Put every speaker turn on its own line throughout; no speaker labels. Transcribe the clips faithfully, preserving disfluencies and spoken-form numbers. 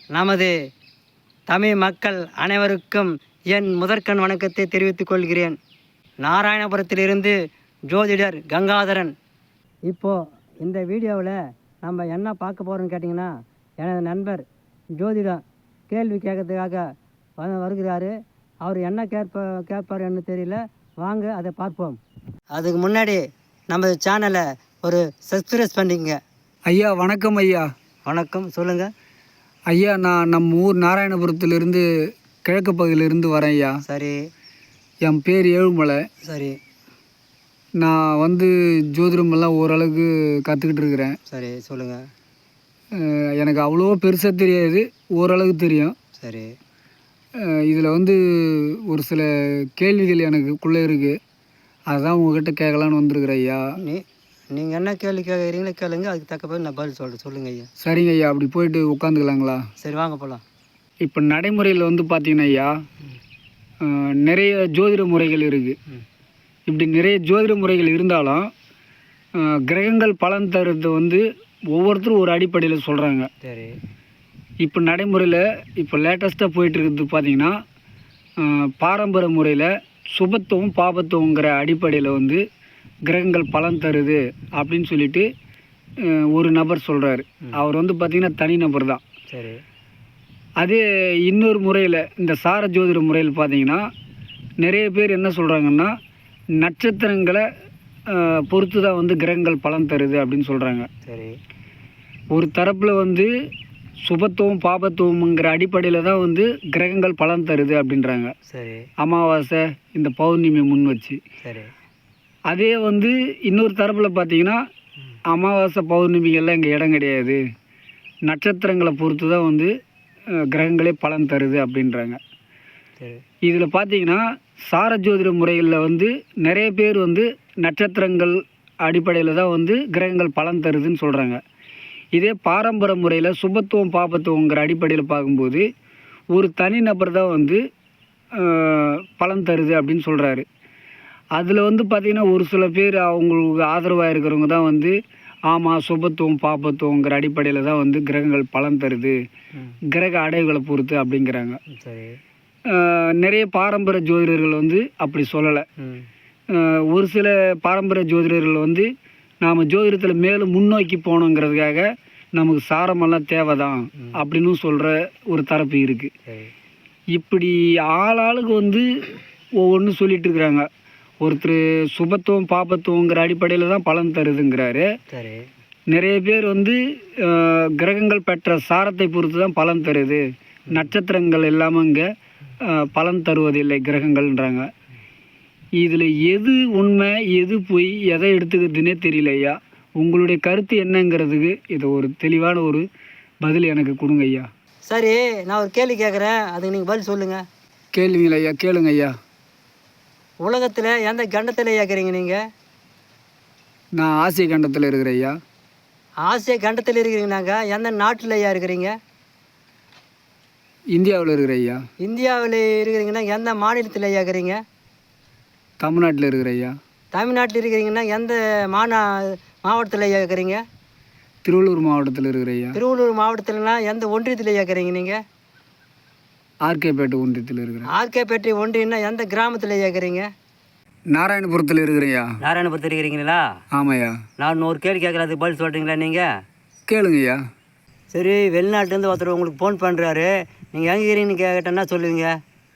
நமது தமிழ் மக்கள் அனைவருக்கும் என் முதற்கண் வணக்கத்தை தெரிவித்துக் கொள்கிறேன். நாராயணபுரத்திலிருந்து ஜோதிடர் கங்காதரன். இப்போது இந்த வீடியோவில் நம்ம என்ன பார்க்க போகிறோம்னு கேட்டிங்கன்னா, எனது நண்பர் ஜோதிடம் கேள்வி கேட்கறதுக்காக வ வருகிறாரு. அவர் என்ன கேட்ப கேட்பாருன்னு தெரியல. வாங்க அதை பார்ப்போம். அதுக்கு முன்னாடி நம்ம சேனலை ஒரு சப்ஸ்கிரைப் பண்ணிக்கங்க.
ஐயா வணக்கம். ஐயா
வணக்கம், சொல்லுங்கள்.
ஐயா, நான் நம்ம ஊர் நாராயணபுரத்திலிருந்து கிழக்கு பகுதியிலிருந்து வரேன் ஐயா.
சரி.
என் பேர் ஏழுமலை.
சரி.
நான் வந்து ஜோதிடமெல்லாம் ஓரளவுக்கு கற்றுக்கிட்டு இருக்கிறேன்.
சரி, சொல்லுங்கள்.
எனக்கு அவ்வளோ பெருசாக தெரியாது, ஓரளவுக்கு தெரியும்.
சரி.
இதில் வந்து ஒரு சில கேள்விகள் எனக்குள்ளே இருக்குது, அதுதான் உங்கள்கிட்ட கேட்கலான்னு வந்திருக்கிறேன் ஐயா.
நீ நீங்கள் என்ன கேள்வி கேட்குறீங்களோ கேளுங்க, அதுக்கு தக்க போய் நான் பதில் சொல்கிறேன். சொல்லுங்கள் ஐயா.
சரிங்க ஐயா, அப்படி போயிட்டு உட்காந்துக்கலாங்களா?
சரி, வாங்க போகலாம்.
இப்போ நடைமுறையில் வந்து பார்த்திங்கன்னா ஐயா, நிறைய ஜோதிட முறைகள் இருக்குது. இப்படி நிறைய ஜோதிட முறைகள் இருந்தாலும் கிரகங்கள் பலன் தருறது வந்து ஒவ்வொருத்தரும் ஒரு அடிப்படையில் சொல்கிறாங்க.
சரி.
இப்போ நடைமுறையில் இப்போ லேட்டஸ்ட்டாக போயிட்டுருக்கிறது பார்த்திங்கன்னா, பாரம்பரிய முறையில் சுபத்துவம் பாபத்துவங்கிற அடிப்படையில் வந்து கிரகங்கள் பலன் தருது அப்படின்னு சொல்லிட்டு ஒரு நபர் சொல்கிறாரு. அவர் வந்து பார்த்திங்கன்னா தனி நபர் தான்.
சரி.
அதே இன்னொரு முறையில், இந்த சார ஜோதிட முறையில் பார்த்திங்கன்னா, நிறைய பேர் என்ன சொல்கிறாங்கன்னா, நட்சத்திரங்களை பொறுத்து தான் வந்து கிரகங்கள் பலன் தருது அப்படின்னு சொல்கிறாங்க.
சரி.
ஒரு தரப்பில் வந்து சுபத்துவம் பாபத்துவம்ங்கிற அடிப்படையில் தான் வந்து கிரகங்கள் பலன் தருது அப்படின்றாங்க.
சரி.
அமாவாசை இந்த பௌர்ணமி முன் வச்சு.
சரி.
அதே வந்து இன்னொரு தரப்பில் பார்த்திங்கன்னா, அமாவாசை பௌர்ணமிகள்லாம் இங்கே இடம் கிடையாது, நட்சத்திரங்களை பொறுத்து தான் வந்து கிரகங்களே பலன் தருது அப்படின்றாங்க.
சரி.
இதில் பார்த்திங்கன்னா, சார ஜோதிட முறைகளில் வந்து நிறைய பேர் வந்து நட்சத்திரங்கள் அடிப்படையில் தான் வந்து கிரகங்கள் பலன் தருதுன்னு சொல்கிறாங்க. இதே பாரம்பரிய முறையில் சுபத்துவம் பாபத்துவங்கிற அடிப்படையில் பார்க்கும்போது ஒரு தனிநபர் தான் வந்து பலன் தருது அப்படின்னு சொல்கிறாரு. அதில் வந்து பார்த்திங்கன்னா, ஒரு சில பேர் அவங்களுக்கு ஆதரவாக இருக்கிறவங்க தான் வந்து ஆமாம் சுபத்துவம் பாபத்துவங்கிற அடிப்படையில் தான் வந்து கிரகங்கள் பலன் தருது, கிரக அடைவுகளை பொறுத்து அப்படிங்கிறாங்க.
சரி.
நிறைய பாரம்பரிய ஜோதிடர்கள் வந்து அப்படி சொல்லலை. ஒரு சில பாரம்பரிய ஜோதிடர்கள் வந்து நாம் ஜோதிடத்தில் மேலும் முன்னோக்கி போகணுங்கிறதுக்காக நமக்கு சாரமெல்லாம் தேவை தான் அப்படின்னு சொல்கிற ஒரு தரப்பு இருக்குது. இப்படி ஆளாளுக்கு வந்து ஒவ்வொன்றும் சொல்லிட்டு இருக்கிறாங்க. ஒருத்தர் சுபத்துவம் பாபத்துவங்கிற அடிப்படையில் தான் பலன் தருதுங்கிறாரு.
சரி. நிறைய
பேர் வந்து கிரகங்கள் பெற்ற சாரத்தை பொறுத்து தான் பலன் தருது, நட்சத்திரங்கள் இல்லாமல் இங்கே பலன் தருவதில்லை கிரகங்கள்ன்றாங்க. இதில் எது உண்மை எது பொய் எதை எடுத்துக்கிறதுனே தெரியல ஐயா. உங்களுடைய கருத்து என்னங்கிறதுக்கு இதை ஒரு தெளிவான ஒரு பதில் எனக்கு கொடுங்க ஐயா.
சரி, நான் ஒரு கேள்வி கேட்குறேன், அதுக்கு நீங்கள் பதில் சொல்லுங்கள்.
கேள்விங்களா ஐயா? கேளுங்க ஐயா.
உலகத்தில் எந்த கண்டத்தில் இருக்கிறீங்க நீங்கள்?
நான் ஆசிய கண்டத்தில் இருக்கிறேன் ஐயா.
ஆசிய கண்டத்தில் இருக்கிறீங்கன்னாங்க எந்த நாட்டில் ஐயா இருக்கிறீங்க?
இந்தியாவில் இருக்கிற ஐயா.
இந்தியாவில் இருக்கிறீங்கன்னா எந்த மாநிலத்தில் ஐயா இருக்கிறீங்க?
தமிழ்நாட்டில் இருக்கிற ஐயா.
தமிழ்நாட்டில் இருக்கிறீங்கன்னா எந்த மாநா மாவட்டத்தில் ஐயா இருக்கிறீங்க?
திருவள்ளூர் மாவட்டத்தில் இருக்கிற ஐயா.
திருவள்ளூர் மாவட்டத்தில்னா எந்த ஒன்றியத்தில் ஐயா இருக்கிறீங்க நீங்கள்?
ஆர்கேபேட்டை ஒன்றியத்தில் இருக்கிறேன்.
ஆர்கேபேட்டை ஒன்றியம்னா எந்த கிராமத்தில் ஐயா இருக்கிறீங்க?
நாராயணபுரத்தில் இருக்கிறையா.
நாராயணபுரத்தில் இருக்கிறீங்களா?
ஆமாய்யா.
நான் ஒரு கேள்வி கேட்குறேன், அதுக்கு பதில் சொல்கிறீங்களா நீங்கள்?
கேளுங்க ஐயா.
சரி, வெளிநாட்டிலேருந்து ஒருத்தர் உங்களுக்கு ஃபோன் பண்ணுறாரு, நீங்கள் எங்கே இருக்கிறீங்கன்னு கேட்டேன்னா சொல்லுவீங்க?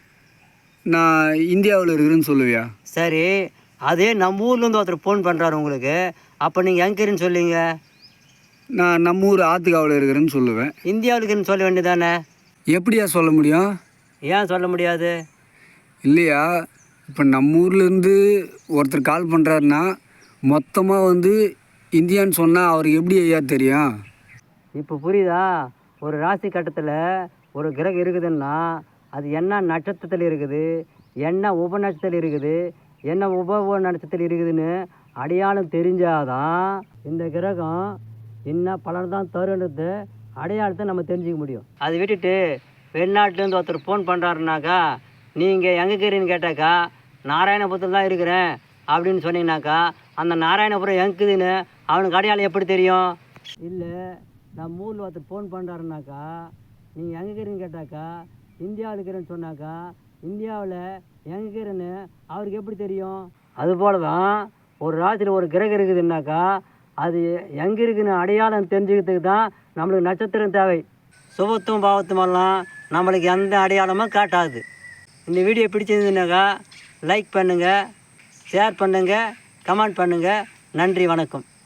நான் இந்தியாவில் இருக்கிறேன்னு சொல்லுவியா?
சரி, அதே நம்ம ஊர்லேருந்து ஒருத்தர் ஃபோன் பண்ணுறாரு உங்களுக்கு, அப்போ நீங்கள் எங்கே இருக்கிறீன்னு சொல்லுவீங்க?
நான் நம்ம ஊர் ஆத்துக்காவில் இருக்கிறேன்னு சொல்லுவேன்.
இந்தியாவில் இருக்கிறேன்னு சொல்ல வேண்டியதானே?
எப்படியா சொல்ல முடியும்?
ஏன் சொல்ல முடியாது?
இல்லையா, இப்போ நம்ம ஊர்லேருந்து ஒருத்தர் கால் பண்ணுறாருன்னா மொத்தமாக வந்து இந்தியான்னு சொன்னால் அவருக்கு எப்படி ஐயா தெரியும்?
இப்போ புரியுதா? ஒரு ராசி கட்டத்தில் ஒரு கிரகம் இருக்குதுன்னா அது என்ன நட்சத்திரத்தில் இருக்குது, என்ன உப நட்சத்திரத்தில் இருக்குது, என்ன உப உப நட்சத்திரத்தில் இருக்குதுன்னு அடையாளம் தெரிஞ்சாதான் இந்த கிரகம் என்ன பலன் தான் தருன்றது அடையாளத்தை நம்ம தெரிஞ்சிக்க முடியும். அதை விட்டுட்டு வெளிநாட்டிலேருந்து ஒருத்தர் ஃபோன் பண்ணுறாருனாக்கா, நீங்கள் எங்கே இருக்கிறீன்னு கேட்டாக்கா நாராயணபுரத்தில் தான் இருக்கிறேன் அப்படின்னு சொன்னீங்கன்னாக்கா, அந்த நாராயணபுரம் எங்குதுன்னு அவனுக்கு அடையாளம் எப்படி தெரியும்? இல்லை, நம்ம ஊரில் ஒருத்தர் ஃபோன் பண்ணுறாருனாக்கா நீங்கள் எங்கே இருக்கிறீன்னு கேட்டாக்கா இந்தியாவில் இருக்கிறேன்னு சொன்னாக்கா இந்தியாவில் எங்கே இருக்கிறேன்னு அவருக்கு எப்படி தெரியும்? அதுபோல தான் ஒரு ராசியில் ஒரு கிரகம் இருக்குதுன்னாக்கா அது எங்கே இருக்குன்னு அடையாளம் தெரிஞ்சுக்கிறதுக்கு தான் நம்மளுக்கு நட்சத்திரம் தேவை. சுபத்துவம் பாவத்துமெல்லாம் நம்மளுக்கு எந்த அடையாளமும் காட்டாது. இந்த வீடியோ பிடிச்சிருந்துனாக்கா லைக் பண்ணுங்கள், ஷேர் பண்ணுங்கள், கமெண்ட் பண்ணுங்கள். நன்றி, வணக்கம்.